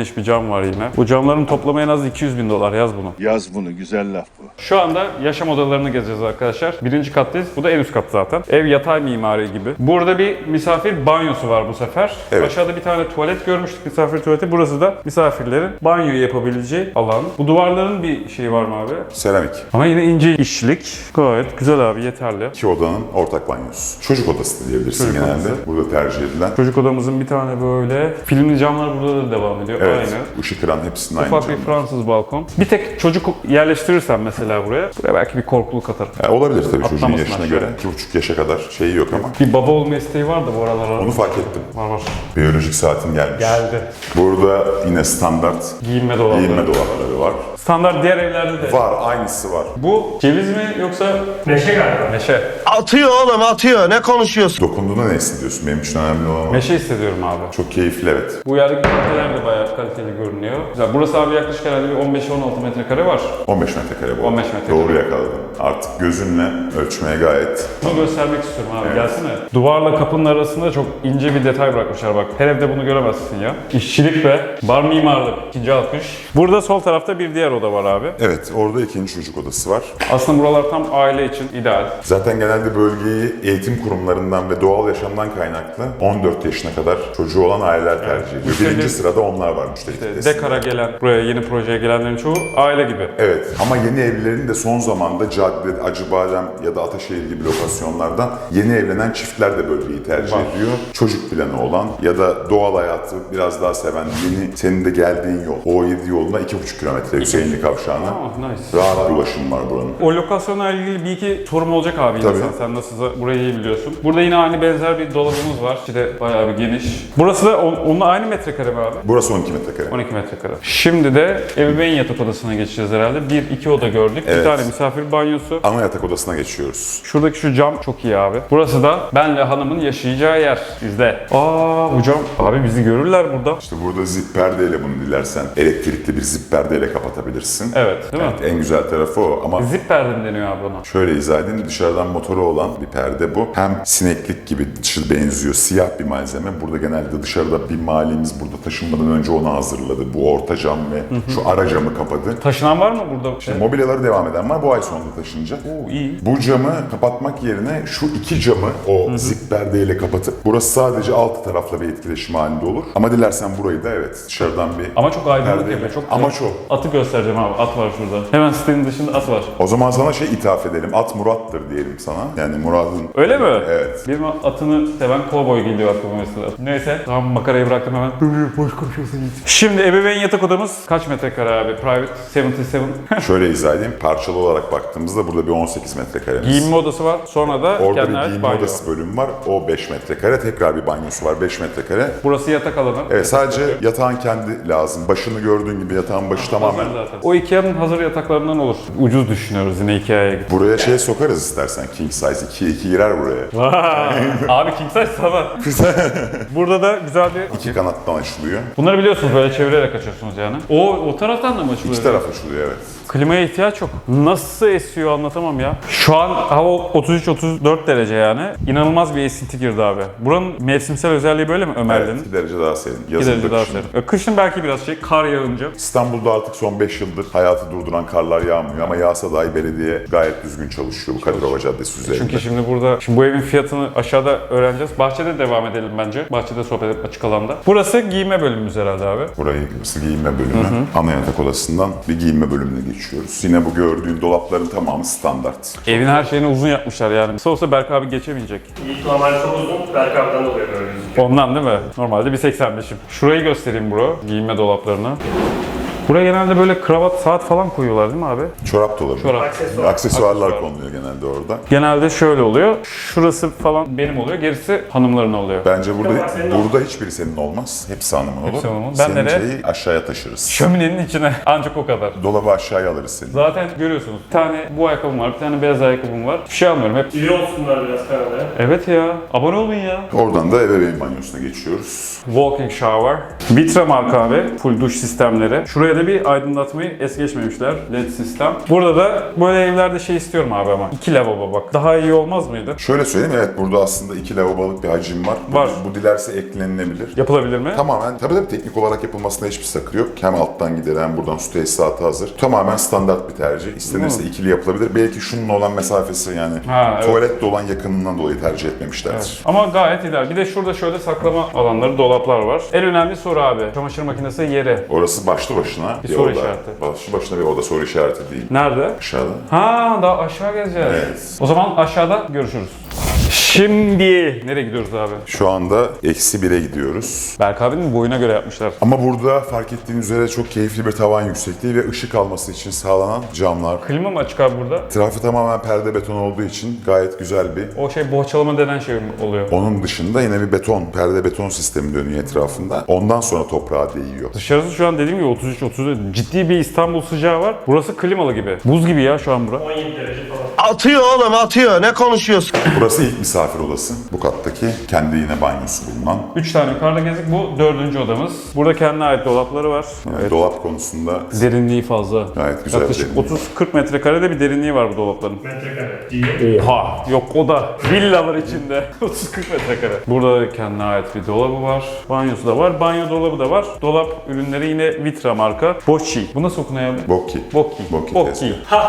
Speaker 2: geniş bir cam var yine. Bu camların toplamı en az 200.000 dolar, yaz bunu.
Speaker 5: Yaz bunu, güzel laf bu.
Speaker 2: Şu anda yaşam odalarını gezeceğiz arkadaşlar. Birinci kattayız. Bu da en üst kat zaten. Ev yatay mimari gibi. Burada bir misafir banyosu var bu sefer.
Speaker 4: Evet.
Speaker 2: Aşağıda bir tane tuvalet görmüştük, misafir tuvaleti. Burası da misafirlerin banyo yapabileceği alan. Bu duvarların bir şeyi var mı abi?
Speaker 4: Seramik.
Speaker 2: Ama yine ince işçilik. Gayet güzel abi, yeterli.
Speaker 4: İki odanın ortak banyosu. Çocuk odası da diyebilirsin
Speaker 2: Çocuk
Speaker 4: genelde.
Speaker 2: odası.
Speaker 4: Burada tercih edilen.
Speaker 2: Çocuk odamızın bir tane böyle filmli camlar burada da devam ediyor.
Speaker 4: Evet.
Speaker 2: Aynı.
Speaker 4: Işık kıran hepsinin aynı
Speaker 2: Ufak bir
Speaker 4: camlar.
Speaker 2: Fransız balkon. Bir tek çocuk yerleştirirsen mesela buraya belki bir korkuluk atar.
Speaker 4: Olabilir tabii çocuğun
Speaker 2: Atlamasın
Speaker 4: yaşına
Speaker 2: aşağı.
Speaker 4: göre. 2,5 yaşa kadar şeyi yok ama.
Speaker 2: Bir baba olma isteği var da bu aralar.
Speaker 4: Onu fark ettim.
Speaker 2: Var.
Speaker 4: Biyolojik saatin gelmiş.
Speaker 2: Geldi.
Speaker 4: Burada yine standart
Speaker 2: Giyinme dolapları.
Speaker 4: giyinme dolapları var.
Speaker 2: Standart diğer evlerde de.
Speaker 4: Var, aynısı var.
Speaker 2: Bu ceviz mi yoksa
Speaker 1: Meşe galiba.
Speaker 2: meşe?
Speaker 6: Atıyor oğlum atıyor. Ne konuşuyorsun?
Speaker 4: Dokunduğunda ne hissediyorsun? Benim için önemli olan o.
Speaker 2: Meşe hissediyorum abi.
Speaker 4: Çok keyifli, evet.
Speaker 2: Bu yerdeki parkeler de bayağı kaliteli görünüyor. Güzel. Burası abi yaklaşık herhalde bir 15-16 metrekare var.
Speaker 4: 15 metrekare bu.
Speaker 2: 15 metrekare.
Speaker 4: Doğru yakaladın. Artık gözünle ölçmeye gayet.
Speaker 2: Bunu göstermek istiyorum abi.
Speaker 4: Evet.
Speaker 2: Gelsene. Duvarla kapının arasında çok ince bir detay bırakmışlar bak. Her evde bunu göremezsin ya. İşçilik ve bar mimarlık. İkinci alkış. Burada sol tarafta bir diğer oda var abi.
Speaker 4: Evet, orada ikinci çocuk odası var.
Speaker 2: Aslında buralar tam aile için ideal.
Speaker 4: Zaten genelde bölgeyi eğitim kurumlarından ve doğal yaşamdan kaynaklı 14 yaşına kadar çocuğu olan aileler tercih ediyor.
Speaker 2: Müşteri-
Speaker 4: Birinci sırada onlar var müşteri kitlesinde.
Speaker 2: Dekara gelen, buraya yeni projeye gelenlerin çoğu aile gibi.
Speaker 4: Evet, ama yeni evlilerin de son zamanda Cadde, Acıbadem ya da Ataşehir gibi lokasyonlardan yeni evlenen çiftler de bölgeyi tercih
Speaker 2: Var.
Speaker 4: ediyor. Çocuk planı olan ya da doğal hayatı biraz daha seven, yeni senin de geldiğin yol. O7 yoluna 2,5 kilometre Hüseyinli Kavşağı'na.
Speaker 2: Nice.
Speaker 4: Rahat ulaşım var buranın.
Speaker 2: O lokasyonla ilgili bir iki sorum olacak abi yine
Speaker 4: Tabii.
Speaker 2: sen nasılsa burayı iyi biliyorsun. Burada yine aynı benzer bir dolabımız var. İşte bayağı bir geniş. Burası da onunla aynı metrekare mi abi?
Speaker 4: Burası 12 metrekare.
Speaker 2: 12 metrekare. Şimdi de ebeveyn yatak odasına geçeceğiz herhalde. Bir, iki oda gördük. Bir
Speaker 4: Evet.
Speaker 2: tane misafir banyosu.
Speaker 4: Ana yatak odasına geçiyoruz.
Speaker 2: Şuradaki şu cam çok iyi abi. Burası da benle hanımın yaşayacağı yer bizde. Bu cam. Abi bizi görürler burada.
Speaker 4: İşte burada zip perdeyle bunu dilersen elektrikli bir zip perdeyle kapatabilirsin.
Speaker 2: Evet, değil mi?
Speaker 4: Evet, en güzel tarafı o ama
Speaker 2: Zip perde mi deniyor abi ona?
Speaker 4: şöyle izah edeyim, dışarıdan motoru olan bir perde bu. Hem sineklik gibi dışı benziyor, siyah bir malzeme. Burada genelde dışarıda bir mahallemiz burada taşınmadan önce onu hazırladı. Bu orta cam ve şu ara camı kapadı.
Speaker 2: Taşınan var mı burada?
Speaker 4: Mobilyaları devam eden var, bu ay sonunda taşınacak.
Speaker 2: İyi.
Speaker 4: Bu camı kapatmak yerine şu iki camı o zip perdeyle kapatıp burası sadece alt tarafla bir etkileşim halinde olur. Ama dilersen burayı da evet dışarıdan bir
Speaker 2: Ama çok aydınlık
Speaker 4: perdeyle.
Speaker 2: yapıyor. Çok
Speaker 4: Ama
Speaker 2: güzel.
Speaker 4: çok.
Speaker 2: Atı göstereceğim abi. At var şurada. Hemen sitenin dışında at var.
Speaker 4: O zaman sana şey ithaf edelim. At Murat'tır diyelim sana. Yani Murat'ın...
Speaker 2: Öyle mi?
Speaker 4: Evet.
Speaker 2: Benim atını seven kovboy geliyor aklıma mesela. Neyse. Tamam makarayı bıraktım hemen. Boş konuşuyorsun git. Şimdi ebeveyn yatak odamız kaç metrekare abi? Private 77.
Speaker 4: Şöyle izah edeyim. Parçalı olarak baktığımızda burada bir 18 metrekaremiz.
Speaker 2: Giyinme odası var. Sonra da
Speaker 4: Orada
Speaker 2: kendine
Speaker 4: bir
Speaker 2: ait
Speaker 4: giyinme
Speaker 2: banyo.
Speaker 4: odası bölümü var. O 5 metrekare. Tekrar bir banyosu var 5 metrekare.
Speaker 2: Burası yatak alanı.
Speaker 4: Evet, sadece yatağın kendi lazım. Başını gördüğün gibi yatağın başı tamamen.
Speaker 2: Hazır zaten. O Ikea'nın hazır yataklarından olur. Ucuz düşünüyoruz yine Ikea'ya.
Speaker 4: Buraya şey sokarız istersen. King size 2 girer buraya.
Speaker 2: Abi king size sana. Burada da güzel bir...
Speaker 4: 2 kanattan açılıyor.
Speaker 2: Bunları biliyorsunuz böyle çevirerek açıyorsunuz yani. O taraftan da mı açılıyor?
Speaker 4: İki taraf açılıyor, evet.
Speaker 2: Klimaya ihtiyaç yok. Nasıl esiyor anlatamam ya. Şu an hava 33-34 derece yani. İnanılmaz bir esinti girdi abi. Buranın mevsimsel özelliği böyle mi Ömerli'nin?
Speaker 4: Evet, 2 derece daha serin.
Speaker 2: 2
Speaker 4: Yazın
Speaker 2: derece
Speaker 4: da
Speaker 2: daha
Speaker 4: kışın.
Speaker 2: serin. Kışın belki biraz kar yağınca.
Speaker 4: İstanbul'da artık son 5 yıldır hayatı durduran karlar yağmıyor ama yağsa dahi belediye gayet düzgün çalışıyor bu Kadirova Caddesi üzerinde.
Speaker 2: Çünkü şimdi bu evin fiyatını aşağıda öğreneceğiz. Bahçede devam edelim bence. Bahçede sohbet edip açık alanda. Burası giyinme bölümümüz herhalde abi.
Speaker 4: Burası giyinme bölümü. Ana yatak odasından bir giyinme bölümüne geçiyoruz. Yine bu gördüğün dolapların tamamı standart.
Speaker 2: Evin her şeyini uzun yapmışlar yani. Kısa olsa Berk abi geçemeyecek.
Speaker 1: İlk normalde çok uzun. Berk abiden dolayı böyle gözüküyor.
Speaker 2: Ondan değil mi? Normalde bir 85'im. Şurayı göstereyim bro. Giyinme dolaplarını. Buraya genelde böyle kravat, saat falan koyuyorlar değil mi abi?
Speaker 4: Çorap dolabı.
Speaker 2: Çorap.
Speaker 4: Aksesuarlar
Speaker 2: Aksesuar.
Speaker 4: konuluyor genelde orada.
Speaker 2: Genelde şöyle oluyor. Şurası falan benim oluyor. Gerisi hanımların oluyor.
Speaker 4: Bence
Speaker 1: Tamam, senin
Speaker 4: burada hiçbiri senin olmaz. Hepsi hanımın olur.
Speaker 2: Hepsi hanımın. Ben
Speaker 4: Senin
Speaker 2: nereye?
Speaker 4: şeyi aşağıya taşırız.
Speaker 2: Şöminenin içine ancak o kadar.
Speaker 4: Dolabı aşağıya alırız seni.
Speaker 2: Zaten görüyorsunuz. Bir tane bu ayakkabım var, bir tane beyaz ayakkabım var. Bir şey almıyorum hep.
Speaker 1: İyi olsunlar biraz kanalda.
Speaker 2: Evet ya. Abone olun ya.
Speaker 4: Oradan da ebeveyn banyosuna geçiyoruz.
Speaker 2: Walking shower. Vitra marka abi. Full duş sistemleri. Şuraya Buraya da bir aydınlatmayı es geçmemişler. LED sistem. Burada da böyle evlerde şey istiyorum abi ama. 2 lavabo bak. Daha iyi olmaz mıydı?
Speaker 4: Şöyle söyleyeyim, evet burada aslında 2 lavabolık bir hacim var.
Speaker 2: Var.
Speaker 4: Bu dilerse eklenilebilir.
Speaker 2: Yapılabilir mi?
Speaker 4: Tamamen tabii teknik olarak yapılmasında hiçbir sakı yok. Hem alttan gider hem buradan su tesisatı hazır. Tamamen standart bir tercih. İstenirse ikili yapılabilir. Belki şununla olan mesafesi yani
Speaker 2: Evet.
Speaker 4: tuvaletle olan yakınından dolayı tercih etmemişlerdir.
Speaker 2: Evet. Ama gayet ideal. Bir de şurada şöyle saklama alanları, dolaplar var. En önemli soru abi. Çamaşır makinesi yeri.
Speaker 4: Orası başlı başına
Speaker 2: Bir soru
Speaker 4: oda.
Speaker 2: işareti.
Speaker 4: Başlı başına bir oda, soru işareti değil.
Speaker 2: Nerede?
Speaker 4: Aşağıda.
Speaker 2: Ha, daha aşağı gezeceğiz.
Speaker 4: Evet.
Speaker 2: O zaman aşağıda görüşürüz. Şimdi nereye gidiyoruz abi?
Speaker 4: Şu anda -1'e gidiyoruz.
Speaker 2: Berk abinin boyuna göre yapmışlar.
Speaker 4: Ama burada fark ettiğin üzere çok keyifli bir tavan yüksekliği ve ışık alması için sağlanan camlar.
Speaker 2: Klima mı açık abi burada?
Speaker 4: Etrafı tamamen perde beton olduğu için gayet güzel bir.
Speaker 2: O şey bohçalama denen şey oluyor.
Speaker 4: Onun dışında yine bir perde beton sistemi dönüyor etrafında. Ondan sonra toprağa değiyor.
Speaker 2: Dışarısı şu an dediğim gibi 33-34. Ciddi bir İstanbul sıcağı var. Burası klimalı gibi. Buz gibi ya şu an bura.
Speaker 1: 17 derece falan.
Speaker 6: Atıyor oğlum atıyor. Ne konuşuyorsun?
Speaker 4: Burası ilk misafir odası. Bu kattaki kendi yine banyosu bulunan.
Speaker 2: 3 tane yukarıda gezdik. Bu 4. odamız. Burada kendine ait dolapları var.
Speaker 4: Yani dolap konusunda
Speaker 2: Derinliği fazla.
Speaker 4: gayet güzel.
Speaker 2: Yaklaşık
Speaker 4: derinliği.
Speaker 2: 30-40 metrekarede bir derinliği var bu dolapların.
Speaker 1: Metrekare. İyi.
Speaker 2: Oha! Yok o da. Villa var içinde. 30-40 metrekare. Burada kendine ait bir dolabı var. Banyosu da var. Banyo dolabı da var. Dolap ürünleri yine Vitra marka. Bocci. Bu nasıl okunuyor abi?
Speaker 4: Bokki.
Speaker 2: Bocchi.
Speaker 4: Bocchi
Speaker 2: Bocchi.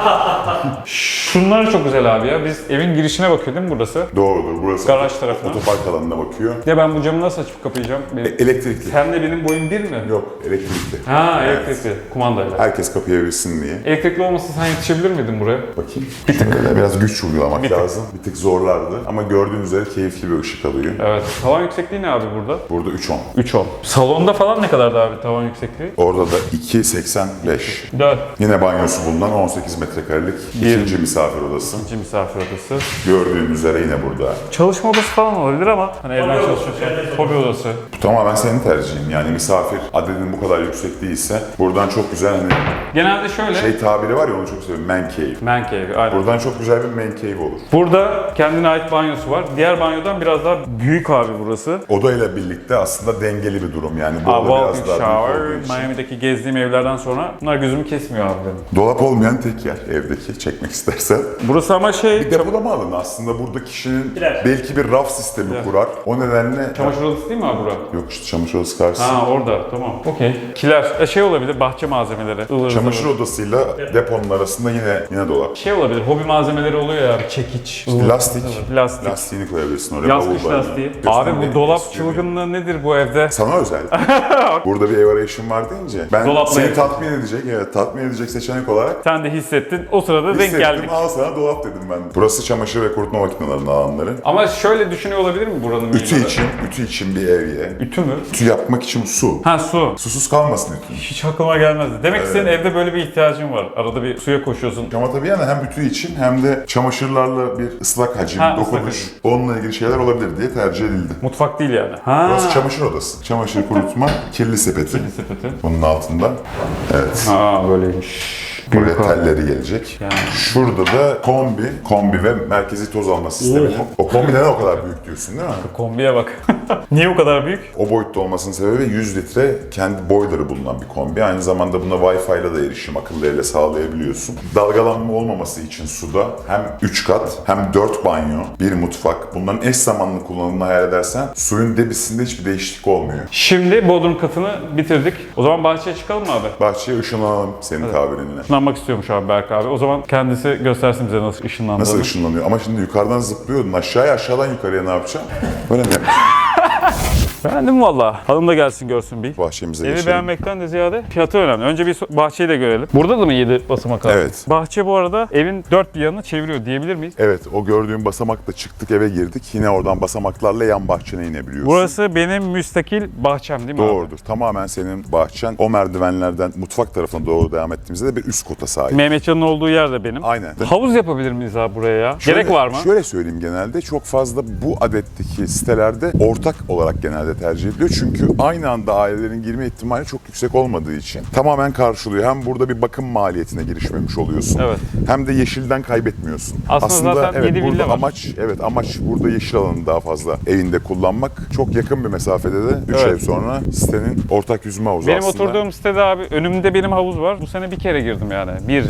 Speaker 2: Şunlar çok güzel abi ya. Biz evin girişine bakıyor değil mi burası?
Speaker 4: Doğrudur. Burası
Speaker 2: Garaj tarafına.
Speaker 4: otopark alanına bakıyor.
Speaker 2: Ya ben bu camı nasıl açıp kapayacağım?
Speaker 4: Elektrikli.
Speaker 2: Sen de benim boyum 1 mi?
Speaker 4: Yok, elektrikli.
Speaker 2: Ha,
Speaker 4: Evet.
Speaker 2: elektrikli. Kumandayla.
Speaker 4: Herkes kapayabilsin diye.
Speaker 2: Elektrikli olmasa sen yetişebilir miydin buraya?
Speaker 4: Bakayım. Şöyle biraz güç uygulamak lazım. Bir tık zorlardı. Ama gördüğünüz üzere keyifli bir ışık alıyor.
Speaker 2: Evet. Tavan yüksekliği ne abi burada?
Speaker 4: Burada 3.10.
Speaker 2: 3.10. Salonda falan ne kadardı abi tavan yüksekliği?
Speaker 4: Orada da 2.85.
Speaker 2: 4.
Speaker 4: Yine banyosu bulunan 18 metrekarelik ikinci misafir odası.
Speaker 2: İkinci misafir odası.
Speaker 4: Gördüğün üzere yine burada.
Speaker 2: Çalışma odası falan olabilir ama hani evden çalışıyorsan. Hobi odası.
Speaker 4: Bu tamamen senin tercihin. Yani misafir adedin bu kadar yüksek değilse buradan çok güzel hani
Speaker 2: Genelde şöyle.
Speaker 4: tabiri var ya, onu çok seviyorum. Man cave.
Speaker 2: Man cave, aynen.
Speaker 4: Buradan çok güzel bir man cave olur.
Speaker 2: Burada kendine ait banyosu var. Diğer banyodan biraz daha büyük abi burası.
Speaker 4: Odayla birlikte aslında dengeli bir durum. Yani bu oda biraz
Speaker 2: Walk-in
Speaker 4: daha büyük
Speaker 2: shower.
Speaker 4: olduğu için.
Speaker 2: Miami'deki gezdiğim evlerden sonra bunlar gözümü kesmiyor abi benim.
Speaker 4: Dolap olmayan tek yer evdeki, çekmek istersen.
Speaker 2: Burası ama şey...
Speaker 4: Depolama alanı aslında, burada kişinin
Speaker 1: Birer.
Speaker 4: belki bir raf sistemi kurar. O nedenle...
Speaker 2: Çamaşır odası değil mi abi bura?
Speaker 4: Yok işte çamaşır odası karşısında.
Speaker 2: Ha orada, tamam. Okey. Kiler. Şey olabilir, bahçe malzemeleri. Ivır
Speaker 4: Çamaşır
Speaker 2: zıvır.
Speaker 4: odasıyla deponun arasında yine dolap.
Speaker 2: Şey olabilir, hobi malzemeleri oluyor ya, çekiç. ıvır
Speaker 4: Lastik.
Speaker 2: zıvır. Lastik.
Speaker 4: Lastiğini koyabilirsin oraya.
Speaker 2: Yaz
Speaker 4: bavul
Speaker 2: kış
Speaker 4: var
Speaker 2: lastiği.
Speaker 4: yani.
Speaker 2: Abi
Speaker 4: Göstermeyi
Speaker 2: bu dolap
Speaker 4: istiyorum.
Speaker 2: çılgınlığı nedir bu evde?
Speaker 4: Sana özel. Burada bir ev arayışım var deyince ben
Speaker 2: Dolapla
Speaker 4: seni
Speaker 2: yapayım.
Speaker 4: tatmin edecek seçenek olarak
Speaker 2: Sen de hissettin, o sırada denk
Speaker 4: hissettim,
Speaker 2: geldik.
Speaker 4: al sana dolap dedim ben. Burası çamaşır ve kurutma makinelerinin alanları.
Speaker 2: Ama şöyle düşünüyor olabilir mi buranın mimarı?
Speaker 4: Ütü için bir ev ye.
Speaker 2: Ütü mü?
Speaker 4: Ütü yapmak için su.
Speaker 2: Ha su.
Speaker 4: Susuz kalmasın ütü.
Speaker 2: Hiç aklıma gelmezdi. Demek ki senin evde böyle bir ihtiyacın var. Arada bir suya koşuyorsun.
Speaker 4: Ama tabii yani hem ütü için hem de çamaşırlarla bir ıslak hacim,
Speaker 2: Ha, ıslak
Speaker 4: dokunuş, onunla ilgili şeyler olabilir diye tercih edildi.
Speaker 2: Mutfak değil yani. Ha.
Speaker 4: Burası çamaşır odası. Çamaşır kurutma, kirli sepeti.
Speaker 2: sepeti.
Speaker 4: Bunun altında. Evet.
Speaker 2: Ha böyleymiş.
Speaker 4: Buraya
Speaker 2: Büyük abi.
Speaker 4: telleri gelecek.
Speaker 2: Yani.
Speaker 4: Şurada da kombi ve merkezi toz alma sistemi. O kombi neden o kadar büyük diyorsun değil mi?
Speaker 2: Kombiye bak. Niye o kadar büyük?
Speaker 4: O boyutta olmasının sebebi 100 litre kendi boiler'ı bulunan bir kombi. Aynı zamanda buna Wi-Fi ile de erişim akıllı evle sağlayabiliyorsun. Dalgalanma olmaması için suda hem 3 kat hem 4 banyo, 1 mutfak. Bunların eş zamanlı kullanımını hayal edersen suyun debisinde hiçbir değişiklik olmuyor.
Speaker 2: Şimdi bodrum katını bitirdik. O zaman bahçeye çıkalım mı abi?
Speaker 4: Bahçeye ışınlanalım senin tabirinle.
Speaker 2: Işınlanmak istiyormuş abi Berk abi. O zaman kendisi göstersin bize nasıl ışınlandığını.
Speaker 4: Nasıl ışınlanıyor? Ama şimdi yukarıdan zıplıyordun. Aşağıya, aşağıdan yukarıya ne yapacaksın? Böyle mi?
Speaker 2: Beğendim valla. Hanım da gelsin görsün bir.
Speaker 4: Bahçemize
Speaker 2: Evi
Speaker 4: geçelim.
Speaker 2: beğenmekten de ziyade fiyatı önemli. Önce bir bahçeyi de görelim. Burada da mı 7 basamak abi?
Speaker 4: Evet.
Speaker 2: Bahçe bu arada evin 4 bir yanını çeviriyor diyebilir miyiz?
Speaker 4: Evet, o gördüğün basamakla çıktık, eve girdik. Yine oradan basamaklarla yan bahçene inebiliyorsun.
Speaker 2: Burası benim müstakil bahçem değil mi abi?
Speaker 4: Doğrudur. Tamamen senin bahçen. O merdivenlerden mutfak tarafına doğru devam ettiğimizde de bir üst kota sahip.
Speaker 2: Mehmetcan'ın olduğu yer de benim.
Speaker 4: Aynen.
Speaker 2: Havuz yapabilir miyiz abi buraya ya? Gerek var mı?
Speaker 4: Şöyle söyleyeyim, genelde çok fazla bu adetteki sitelerde ortak olarak genelde tercih ediliyor. Çünkü aynı anda ailelerin girme ihtimali çok yüksek olmadığı için tamamen karşılıyor. Hem burada bir bakım maliyetine girişmemiş oluyorsun.
Speaker 2: Evet.
Speaker 4: Hem de yeşilden kaybetmiyorsun.
Speaker 2: Aslında zaten
Speaker 4: evet,
Speaker 2: 7
Speaker 4: burada
Speaker 2: villa var.
Speaker 4: amaç burada yeşil alanı daha fazla evinde kullanmak. Çok yakın bir mesafede de 3
Speaker 2: Evet.
Speaker 4: ev sonra sitenin ortak yüzme havuzu
Speaker 2: Benim
Speaker 4: aslında.
Speaker 2: oturduğum sitede abi önümde benim havuz var. Bu sene bir kere girdim yani.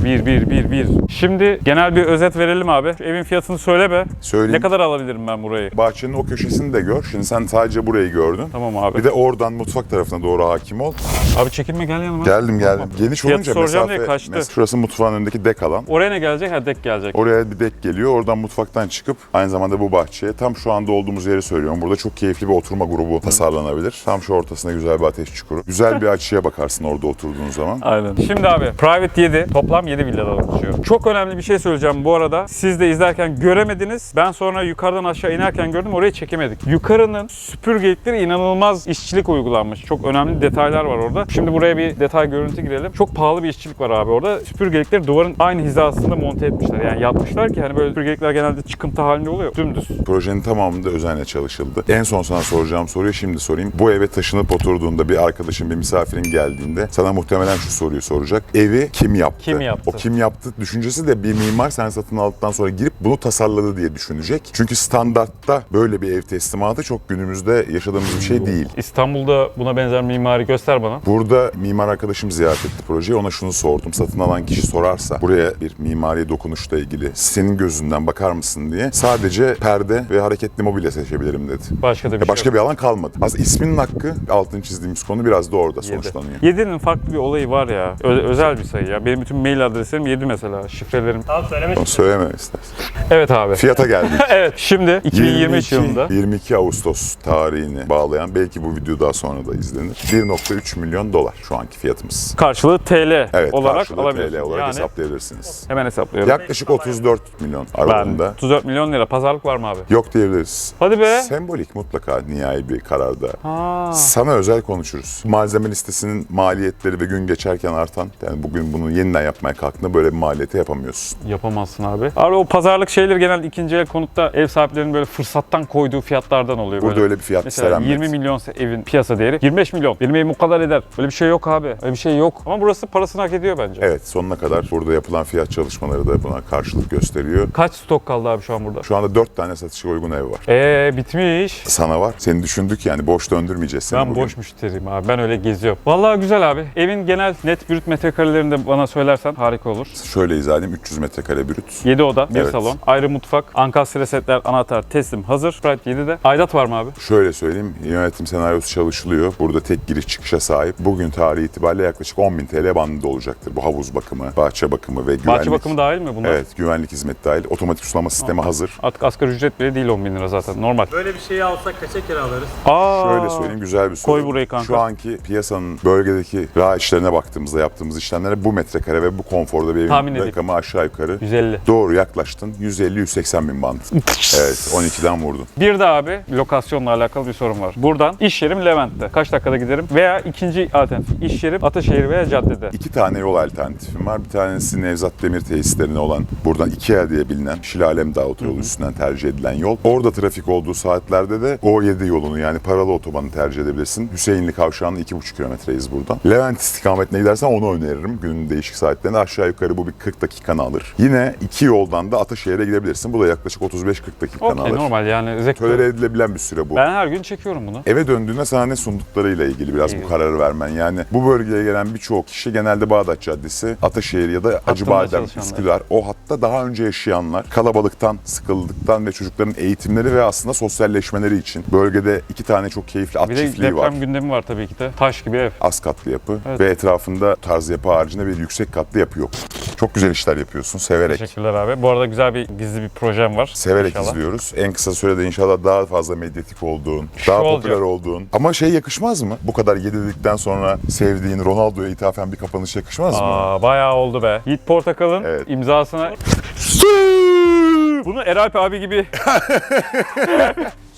Speaker 2: Bir. Şimdi genel bir özet verelim abi. Şu evin fiyatını söyle be.
Speaker 4: Söyleyeyim.
Speaker 2: Ne kadar alabilirim ben burayı?
Speaker 4: Bahçenin o köşesini de gör. Şimdi sen sadece burayı gördün.
Speaker 2: Tamam abi.
Speaker 4: Bir de oradan mutfak tarafına doğru hakim ol.
Speaker 2: Abi çekinme gel yanıma.
Speaker 4: Geldim.
Speaker 2: Tamam.
Speaker 4: Geniş
Speaker 2: Fiyatı
Speaker 4: olunca
Speaker 2: soracağım
Speaker 4: mesafe...
Speaker 2: diye kaçtı.
Speaker 4: Şurası mutfağın önündeki dek alan.
Speaker 2: Oraya ne gelecek? Ha dek gelecek.
Speaker 4: Oraya bir dek geliyor. Oradan mutfaktan çıkıp aynı zamanda bu bahçeye tam şu anda olduğumuz yeri söylüyorum. Burada çok keyifli bir oturma grubu tasarlanabilir. Tam şu ortasında güzel bir ateş çukuru. Güzel bir açıya bakarsın orada oturduğun zaman.
Speaker 2: Aynen. Şimdi abi Private 7 toplam 7 villadan oluşuyor. Çok önemli bir şey söyleyeceğim bu arada. Siz de izlerken göremediniz. Ben sonra yukarıdan aşağı inerken gördüm. Orayı çekemedik. Yukarının süpürgelikleri inanılmaz işçilik uygulanmış. Çok önemli detaylar var orada. Şimdi buraya bir detay görüntü girelim. Çok pahalı bir işçilik var abi orada. Süpürgelikleri duvarın aynı hizasında monte etmişler. Yani yapmışlar ki hani böyle süpürgelikler genelde çıkıntı halinde oluyor. Dümdüz.
Speaker 4: Projenin tamamında özenle çalışıldı. En son sana soracağım soruyu şimdi sorayım. Bu eve taşınıp oturduğunda bir arkadaşın, bir misafirin geldiğinde sana muhtemelen şu soruyu soracak. Evi kim yaptı?
Speaker 2: Kim yaptı?
Speaker 4: O kim yaptı düşüncesi de bir mimar sen satın aldıktan sonra girip bunu tasarladı diye düşünecek. Çünkü standartta böyle bir ev teslimatı çok günümüzde yaşadığımız bir şey değil.
Speaker 2: İstanbul'da buna benzer mimari göster bana.
Speaker 4: Burada mimar arkadaşım ziyaret etti projeyi. Ona şunu sordum. Satın alan kişi sorarsa buraya bir mimari dokunuşla ilgili senin gözünden bakar mısın diye sadece perde ve hareketli mobilya seçebilirim dedi.
Speaker 2: Başka da bir
Speaker 4: Başka
Speaker 2: şey
Speaker 4: bir alan kalmadı. Aslında isminin hakkı altını çizdiğimiz konu biraz da orada sonuçlanıyor.
Speaker 2: 7'nin farklı bir olayı var ya. Özel bir sayı ya. Benim bütün mail adreslerim 7 mesela. Şifrelerim.
Speaker 1: Tamam söylemek
Speaker 4: Onu söyleme istersen.
Speaker 2: Evet abi.
Speaker 4: Fiyata geldik.
Speaker 2: Evet. Şimdi 2023 yılında
Speaker 4: 22 Ağustos tarihini bağlayan belki bu video daha sonra da izlenir. 1.3 milyon dolar şu anki fiyatımız.
Speaker 2: karşılığı TL
Speaker 4: Evet,
Speaker 2: olarak
Speaker 4: karşılığı
Speaker 2: alabiliyorsun.
Speaker 4: TL olarak
Speaker 2: Yani
Speaker 4: hesaplayabilirsiniz.
Speaker 2: hemen hesaplıyorum.
Speaker 4: Yaklaşık 34 milyon
Speaker 2: Ben
Speaker 4: aralığında.
Speaker 2: 34 milyon lira. Pazarlık var mı abi?
Speaker 4: Yok diyebiliriz.
Speaker 2: Hadi be.
Speaker 4: Sembolik mutlaka nihai bir kararda.
Speaker 2: Ha.
Speaker 4: Sana özel konuşuruz. Malzeme listesinin maliyetleri ve gün geçerken artan, yani bugün bunu yeniden yapmaya kalktığında böyle bir maliyeti yapamıyorsun.
Speaker 2: Yapamazsın abi. Abi o pazarlık şeyleri genelde ikinci el konutta ev sahiplerinin böyle fırsattan koyduğu fiyatlardan oluyor.
Speaker 4: Burada
Speaker 2: böyle.
Speaker 4: öyle bir fiyat
Speaker 2: Mesela
Speaker 4: istenmez.
Speaker 2: 20 milyonsa evin piyasa değeri 25 milyon. Benim evim bu kadar eder. Öyle bir şey yok abi. Öyle bir şey yok. Ama burası parasını hak ediyor bence.
Speaker 4: Evet, sonuna kadar burada yapılan fiyat çalışmaları da buna karşılık gösteriyor.
Speaker 2: Kaç stok kaldı abi şu an burada?
Speaker 4: Şu anda 4 tane satışa uygun ev var.
Speaker 2: Bitmiş.
Speaker 4: Sana var. Seni düşündük yani boş döndürmeyeceğiz seni
Speaker 2: Ben
Speaker 4: bugün.
Speaker 2: boş müşteriyim abi. Ben öyle geziyorum. Vallahi güzel abi. Evin genel net brüt metrekarelerini de bana söylersen harika olur.
Speaker 4: Şöyle izah edeyim. 300 metrekare brüt.
Speaker 2: 7 oda, 1
Speaker 4: Evet.
Speaker 2: salon, ayrı mutfak, ankastre setler, anahtar, teslim hazır. Private 7'de. Aidat var mı abi?
Speaker 4: Şöyle söyleyeyim. Yönetim senaryosu çalışılıyor. Burada tek giriş çıkışa sahip. Bugün tarihi itibariyle yaklaşık 10.000 TL bandında olacaktır. Bu havuz bakımı, bahçe bakımı ve güvenlik.
Speaker 2: Bahçe bakımı dahil mi bunlar?
Speaker 4: Evet, güvenlik hizmeti dahil. Otomatik sulama sistemi hazır.
Speaker 2: Artık asgari ücret bile değil 10 bin lira zaten normal.
Speaker 1: Böyle bir şeyi alsak kaça kiralarız?
Speaker 4: Şöyle söyleyeyim, güzel bir soru.
Speaker 2: Koy burayı kanka.
Speaker 4: Şu anki piyasanın bölgedeki rağişlerine baktığımızda yaptığımız işlemlere bu metrekare ve bu konforda bir
Speaker 2: Tahmin
Speaker 4: evin
Speaker 2: edeyim.
Speaker 4: rakamı aşağı yukarı
Speaker 2: 150.
Speaker 4: doğru yaklaştın. 150-180 bin band. Evet, 12'den vurdun.
Speaker 2: Bir de abi lokasyonla alakalı bir sorun var. Buradan iş yerim Levent'te. Kaç dakikada giderim? Veya ikinci alternatif iş yerim Ataşehir veya caddede.
Speaker 4: 2 tane yol alternatifim var. Bir tanesi Nevzat Demir tesislerine olan buradan IKEA diye bilinen Şilalem Dağı otoyolu üstünden tercih edilen yol. Orada trafik olduğu saatlerde de O7 yolunu yani paralı otobanı tercih edebilirsin. Hüseyinli Kavşağı'nın 2,5 kilometreyiz buradan. Levent istikametine gidersen onu öneririm. Günün değişik saatlerinde aşağı yukarı bu bir 40 dakikanı alır. Yine 2 yoldan da Ataşehir'e gidebilirsin. Bu da yaklaşık 35-40 dakikanı
Speaker 2: Okey
Speaker 4: alır.
Speaker 2: normal yani zevkli.
Speaker 4: Tolere edilebilen bir süre bu.
Speaker 2: Ben her gün çekiyorum bunu.
Speaker 4: Eve döndüğünde sana ne sunduklarıyla ilgili biraz
Speaker 2: İyi.
Speaker 4: bu kararı vermen. Yani bu bölgeye gelen birçoğu kişi genelde Bağdat Caddesi, Ataşehir ya da Acıbadem,
Speaker 2: çalışanlar.
Speaker 4: Üsküdar o hatta daha önce yaşayanlar kalabalıktan, sıkıldıktan ve çocukların eğitimleri ve aslında sosyalleşmeleri için bölgede 2 tane çok keyifli at
Speaker 2: Bir de
Speaker 4: çiftliği var.
Speaker 2: deprem gündemi var tabii ki de. Taş gibi ev.
Speaker 4: Az katlı yapı
Speaker 2: Evet.
Speaker 4: ve etrafında tarz yapı haricinde bir yüksek katlı yapı yok. Çok güzel işler yapıyorsun severek.
Speaker 2: Teşekkürler abi. Bu arada güzel bir gizli bir projem var.
Speaker 4: Severek
Speaker 2: İnşallah.
Speaker 4: izliyoruz. En kısa sürede inşallah daha fazla medyatik olduğun, daha
Speaker 2: olacak.
Speaker 4: popüler olduğun. Ama şey yakışmaz mı? Bu kadar yedirdikten sonra sevdiğin Ronaldo'ya ithafen bir kapanış yakışmaz mı?
Speaker 2: Bayağı oldu be. Yiğit Portakal'ın
Speaker 4: Evet.
Speaker 2: imzasına... Bunu Eralp abi gibi...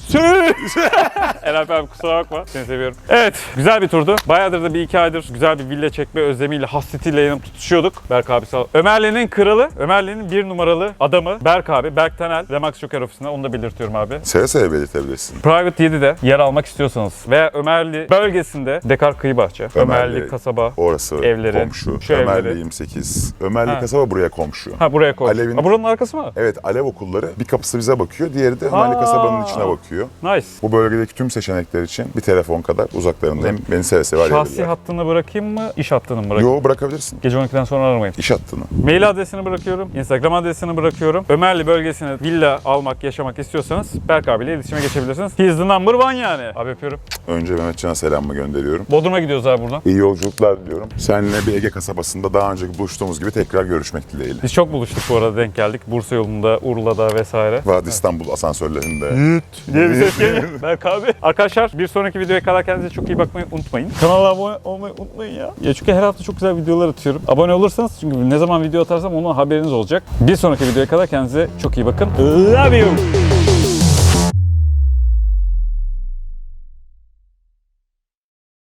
Speaker 2: Eren abi kusura bakma. Seni seviyorum. Evet. Güzel bir turdu. Bayağıdır da bir iki aydır güzel bir villa çekme özlemiyle, hasretiyle yanıp tutuşuyorduk. Berk abi sağ ol. Ömerli'nin kralı, Ömerli'nin bir numaralı adamı Berk abi. Berk Tanel, Remax Joker ofisinde. Onu da belirtiyorum abi.
Speaker 4: Seve seve belirtebilirsin.
Speaker 2: Private 7'de yer almak istiyorsanız veya Ömerli bölgesinde Dekar Kıyı Bahçe, Ömerli kasaba,
Speaker 4: Orası
Speaker 2: evleri,
Speaker 4: komşu.
Speaker 2: şu
Speaker 4: Ömerli
Speaker 2: evleri.
Speaker 4: 28. Ömerli
Speaker 2: Ha.
Speaker 4: kasaba buraya komşu.
Speaker 2: Ha buraya koy.
Speaker 4: Alev'in-
Speaker 2: Ha, buranın arkası mı?
Speaker 4: Evet, Alev okulları bir kapısı bize bakıyor, diğeri de Ömerli kasabanın içine bakıyor.
Speaker 2: Nice.
Speaker 4: Bu bölgedeki tüm seçenekler için bir telefon kadar uzaklarındayım. Beni seve seve
Speaker 2: Şahsi
Speaker 4: arayabilirler.
Speaker 2: hattını bırakayım mı, iş hattını mı bırakayım?
Speaker 4: Yo, bırakabilirsin.
Speaker 2: Gece 12'den sonra aramayın.
Speaker 4: İş hattını.
Speaker 2: Mail adresini bırakıyorum, Instagram adresini bırakıyorum. Ömerli bölgesine villa almak, yaşamak istiyorsanız Berk abiyle iletişime geçebilirsiniz. He's the number one yani. Abi öpüyorum.
Speaker 4: Önce Mehmetcan'a selamımı gönderiyorum.
Speaker 2: Bodrum'a gidiyoruz abi buradan.
Speaker 4: İyi yolculuklar diliyorum. Seninle bir Ege kasabasında daha önceki buluştuğumuz gibi tekrar görüşmek dileğiyle.
Speaker 2: Biz çok buluştuk bu arada, denk geldik. Bursa yolunda, Urla'da vesaire.
Speaker 4: Vadi İstanbul asansörlerinde.
Speaker 2: diye bir ses geliyor. Berk abi. Arkadaşlar bir sonraki videoya kadar kendinize çok iyi bakmayı unutmayın. Kanala abone olmayı unutmayın ya. Ya çünkü her hafta çok güzel videolar atıyorum. Abone olursanız çünkü ne zaman video atarsam onun haberiniz olacak. Bir sonraki videoya kadar kendinize çok iyi bakın. Love you.